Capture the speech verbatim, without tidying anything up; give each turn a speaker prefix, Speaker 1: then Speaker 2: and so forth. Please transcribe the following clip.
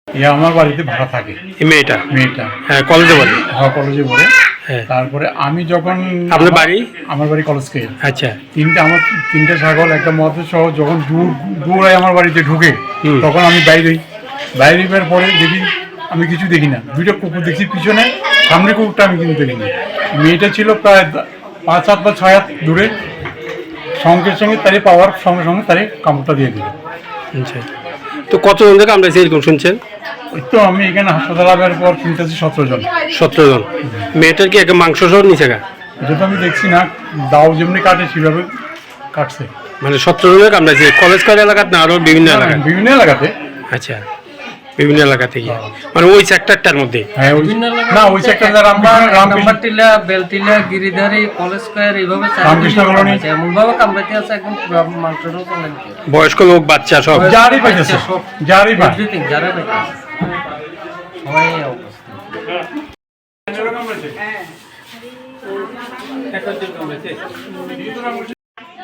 Speaker 1: ইয়া আমার বাড়িতে ভাড়া থাকে
Speaker 2: এই মেয়েটা
Speaker 1: মেয়েটা
Speaker 2: হ্যাঁ কলেজে পড়ে
Speaker 1: হ্যাঁ কলেজে পড়ে
Speaker 2: হ্যাঁ
Speaker 1: তারপরে আমি যখন
Speaker 2: আপনার বাড়ি
Speaker 1: আমার বাড়ি কলেজকে
Speaker 2: আচ্ছা
Speaker 1: তিনটে আমার তিনটে ছাগল একটা মদের সহ যখন দূর দূরায় আমার বাড়িতে ঢুকে
Speaker 2: হুম।
Speaker 1: তখন আমি বাইরে বাইরে বের পরে দেখি আমি কিছু দেখি না দুইটা কুকুর দেখি পিছনে সামনে কুকুরটা আমি কিন্তু দেখিনি মেয়েটা ছিল প্রায় পাঁচ হাত বা ছয় হাত দূরে সঙ্গে সঙ্গে তারে পাওয়ার সঙ্গে সঙ্গে তারে কামড়টা দিয়ে দিল।
Speaker 2: আচ্ছা তো কতজন থেকে আমরা এরকম শুনছেন?
Speaker 1: ওই তো আমি এখানে হাসপাতাল আসার পর শুনতেছি সতেরো জন
Speaker 2: সতেরো জন মেয়েটার কি একটা মাংস সহ নিচে গা
Speaker 1: এটা তো আমি দেখছি না দাও যেমনি কাটে সেভাবে কাটছে
Speaker 2: মানে সতেরো জনের কামড়াইছে কলেজ কলেজ এলাকাতে না আরো বিভিন্ন এলাকায়
Speaker 1: বিভিন্ন এলাকাতে
Speaker 2: আচ্ছা বিভিন্ন এলাকা থেকে মানে ওই সেক্টরটার মধ্যে
Speaker 1: হ্যাঁ ওই না ওই সেক্টর রামকৃষ্ণ
Speaker 3: টিলা বেলটিলা গিরিধারী কলেজ স্কয়ার এইভাবে
Speaker 1: রামকৃষ্ণ কলোনি
Speaker 3: এমন ভাবে কামড়াতে আছে একদম পুরো মাংসটাও চলে
Speaker 2: বয়স্ক লোক বাচ্চা সব
Speaker 1: যারই পাইতেছে যারই পাই
Speaker 3: এভরিথিং যারা পাইতেছে সবাই এই অবস্থা।
Speaker 1: হ্যাঁ